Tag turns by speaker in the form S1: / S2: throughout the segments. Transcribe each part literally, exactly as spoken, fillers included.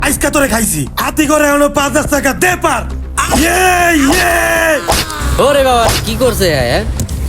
S1: আজকে তোরে খাইছি হাতি করে এখনো পাঁচ হাজার টাকা দে পার। ইয়ে ইয়ে
S2: ওরে বাবা কি করছে হ্যাঁ?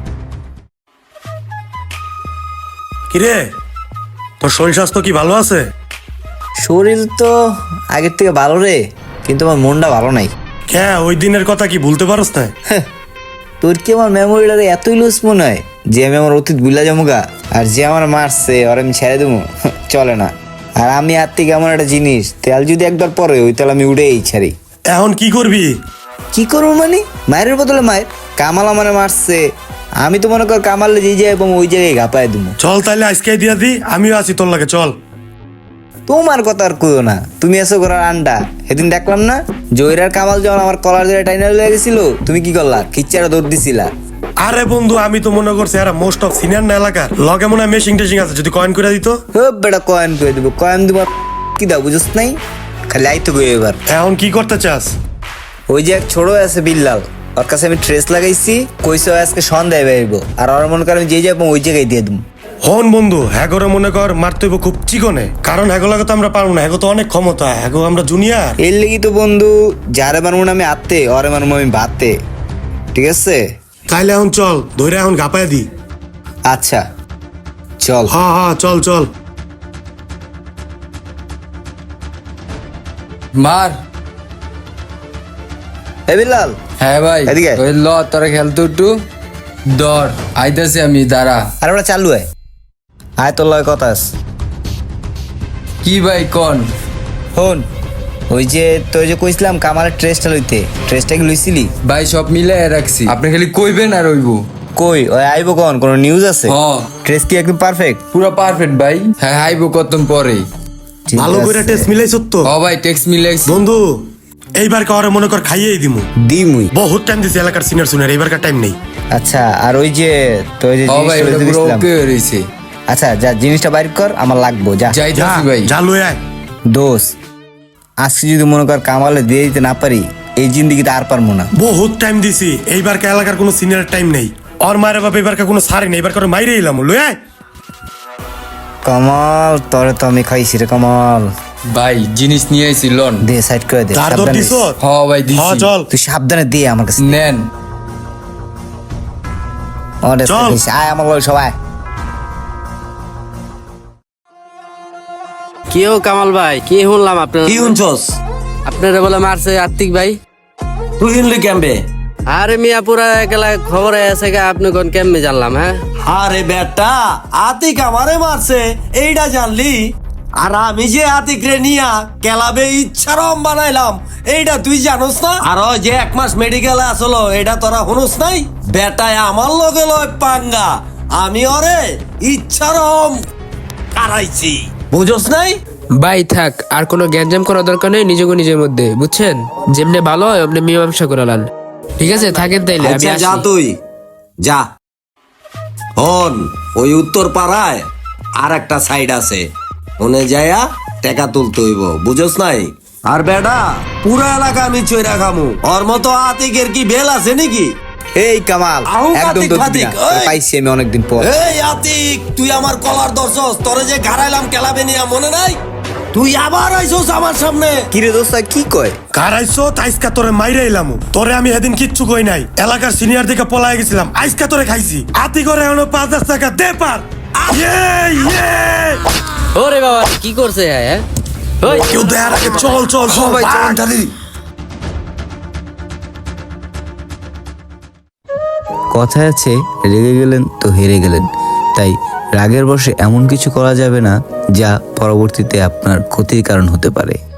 S1: কিরে তোর শরীর স্বাস্থ্য কি ভালো আছে?
S3: শরীর তো আগের থেকে ভালো রে, কিন্তু আমার মনটা ভালো নাই।
S1: হ্যাঁ ওই দিনের কথা কি ভুলতে পারস না?
S3: তোর কি আমার মেমোরিটারে এতই লুজ মনে হয় যে আমি আমার অতীত ভুলা যামুগা? আর যে আমার মারছে ওর আমি ছেড়ে দেবো? চলে না। আর আমি আর থেকে এমন একটা জিনিস, তেল যদি একবার পরে ওই তেল আমি উড়েই ছাড়ি।
S1: এখন কি করবি?
S3: কি করবো মানে? মায়ের বদলে মায়ের। কামাল আমার মারছে, আমি তো মনে কর কামালে যে যাই এবং ওই জায়গায় ঘাপায় দেবো।
S1: চল তাহলে আজকে দিয়া দি, আমিও আছি তোর লাগে। চল।
S3: তোমার কথা আর কইও না, তুমি এসো করার আন্ডা। সেদিন দেখলাম না জয়রার কামাল যখন আমার কলার ধরে টাইনা লয়ে গেছিল, তুমি কি করলা? খিচ্চারা দৌড় দিছিলা।
S1: আরে বন্ধু আমি তো মনে করছি এরা মোস্ট অফ সিনিয়র না এলাকার, লগে মনে হয় মেশিং টেশিং আছে, যদি কয়েন করে দিত।
S3: হোপ বেটা কয়েন করে দিব, কয়েন দিব কি দাও বুঝছ নাই? খালি আইতো গো এবার।
S1: এখন কি করতে চাস?
S3: ওই যে এক ছোট আছে বিল্লাল, ওর কাছে আমি ট্রেস লাগাইছি, কইছে ও আজকে সন্ধ্যায় বেরবো। আর ওর মনে কর আমি যে যাবো ওই জায়গায় দিয়ে দেবো।
S1: হন বন্ধু হ্যাগোরে মনে কর মারতে হইব খুব চিকনে, কারণ হ্যাগো লাগে তো আমরা পারবো না, হ্যাগো তো অনেক ক্ষমতা, হ্যাগো আমরা জুনিয়র।
S3: এর লেগে তো বন্ধু যারে মারবো না আমি আত্মে, ওরে মারবো আমি ভাতে। ঠিক আছে
S1: তাইলে এখন চল, ধরে এখন গাপায় দি।
S3: আচ্ছা চল।
S1: হ্যাঁ হ্যাঁ চল চল।
S4: মার।
S3: এ বিল্লাল
S4: হ্যাঁ ভাই
S3: এদিকে আয়।
S4: ওই ল তোরা খেলতো একটু দর আইতাছি আমি দাঁড়া।
S3: আর ওরা চালু হয়। আয় তোর লয় কথা আছে।
S4: কি ভাই কন?
S3: হন ওই যে তুই যে কইছিলাম কামালের ট্রেসটা লইতে, ট্রেসটা কি লইছিলি?
S4: ভাই সব মিলাই রাখছি, আপনি খালি কইবেন আর হইব।
S3: কই ওই আইবো কোন কোন নিউজ আছে?
S4: হ্যাঁ
S3: ট্রেস কি একদম পারফেক্ট?
S4: পুরো পারফেক্ট ভাই। হ্যাঁ আইব কতক্ষণ পরে।
S1: ভালো করে টেস্ট মিলাইছ তো?
S4: ও ভাই টেক্স মিলাইছি
S1: বন্ধু এইবার কারে মনে কর খাইয়েই দিমু।
S3: দিমুই।
S1: বহুত টাইম দিছি এলাকার সিনিয়র সিনিয়র, এইবারকার টাইম নেই।
S3: আচ্ছা আর ওই যে তুই যে
S4: ও ভাই
S3: জিনিসটা
S4: ওটা
S3: লইতে
S4: পুরো
S3: গেছিলাম।
S4: ওকে হইছে।
S3: আচ্ছা যা জিনিসটা বাইর কর, আমার লাগবো। যা
S1: যা
S4: যাইতাছি ভাই।
S1: যা লয়ে আয়।
S3: দোষ আজকে যদি মনে কর কামালে দিয়ে দিতে না পারি, এই জিন্দিগিতে আর পারবো না।
S1: বহুত টাইম দিছি, এইবারকার এলাকার কোনো সিনিয়র টাইম নেই। ওর মায়ের বাপ এবারকার কোনো সারি নেই, এবার করে মাইরে এলাম। লয়ে আয়।
S3: কমাল তোরে তো আমি খাইছি রে কমাল।
S4: ভাই জিনিস নিয়ে আইছি লন।
S3: দে সাইড করে দে।
S1: তার দর
S3: সাবধানে
S1: দিছ?
S3: দিস।
S4: হ ভাই
S1: হ্যাঁ
S4: দিছি।
S1: চল।
S3: তুই সাবধানে দে আমার কাছে।
S4: নেন।
S3: অনেক
S1: চল।
S3: আয় আমার লয় সবাই।
S2: কেউ কামাল ভাই কি শুনলাম আপনার?
S5: কি শুনছস?
S2: আপনারা বলে মারছে আত্মিক ভাই।
S5: তুই শুনলি কেমবে?
S2: আরে মিয়া পুরা একলা খবর আছে গা, আপনি কোন কেমনে জানলাম? হ্যাঁ
S5: আরে বেটা আতিক আমারে মারছে এইটা জানলি? আর আমি যে আতিক রে নিয়া কেলাবে ইচ্ছারম বানাইলাম এইটা তুই জানোস না? আর ওই যে এক মাস মেডিকেলে আসলো এটা তোরা শুনোস নাই? বেটায় আমার লগে লয় পাঙ্গা, আমি ওরে ইচ্ছারম কারাইছি, বুঝোস নাই?
S6: ভাই থাক, আর কোনো গ্যাঞ্জাম করার দরকার নেই নিজেকে নিজের মধ্যে, বুঝছেন? যেমনি ভালো হয় অমনি মীমাংসা করে লান। ঠিক আছে থাকেন তাইলে, আমি
S5: আচ্ছা যা
S6: আসি।
S5: তুই যা। হন ওই উত্তর পাড়ায় আর একটা সাইড আছে, ওনে যায়া টাকা তুলতে হইব, বুঝোস নাই? আর বেডা পুরা এলাকা আমি চইরা খামু, ওর মতো আতিকের কি বেল আছে নাকি?
S3: এই কামাল
S5: আহু,
S3: একদম
S5: আতিক,
S3: দোষ দিবি
S5: আতিক,
S3: না। তোরে
S5: ওই।
S3: পাইছি আমি অনেকদিন পর।
S5: এই আতিক তুই আমার কলার দর্শস, তোরে যে ঘাড়াইলাম কেলাবে নিয়া মনে নাই? তুই আবার আইছস আমার সামনে।
S3: কিরে দোস্ত কি কয়?
S1: কারাইছো আইসকা তোরে মাইরে এলাম। তোরে আমি সেদিন কিচ্ছু কই নাই, এলাকার সিনিয়র দিকে পলাই গেছিলাম, আইসকা তোরে খাইছি হাতি করে এখনো পাঁচ হাজার টাকা দে পার। ইয়ে ইয়ে
S2: ওরে বাবা কি করছে হ্যাঁ? ওই
S1: কেউ দেয়ার আগে চল চল সবাই চল।
S3: কথায় আছে রেগে গেলেন তো হেরে গেলেন। তাই রাগের বশে এমন কিছু করা যাবে না যা পরবর্তীতে আপনার ক্ষতির কারণ হতে পারে।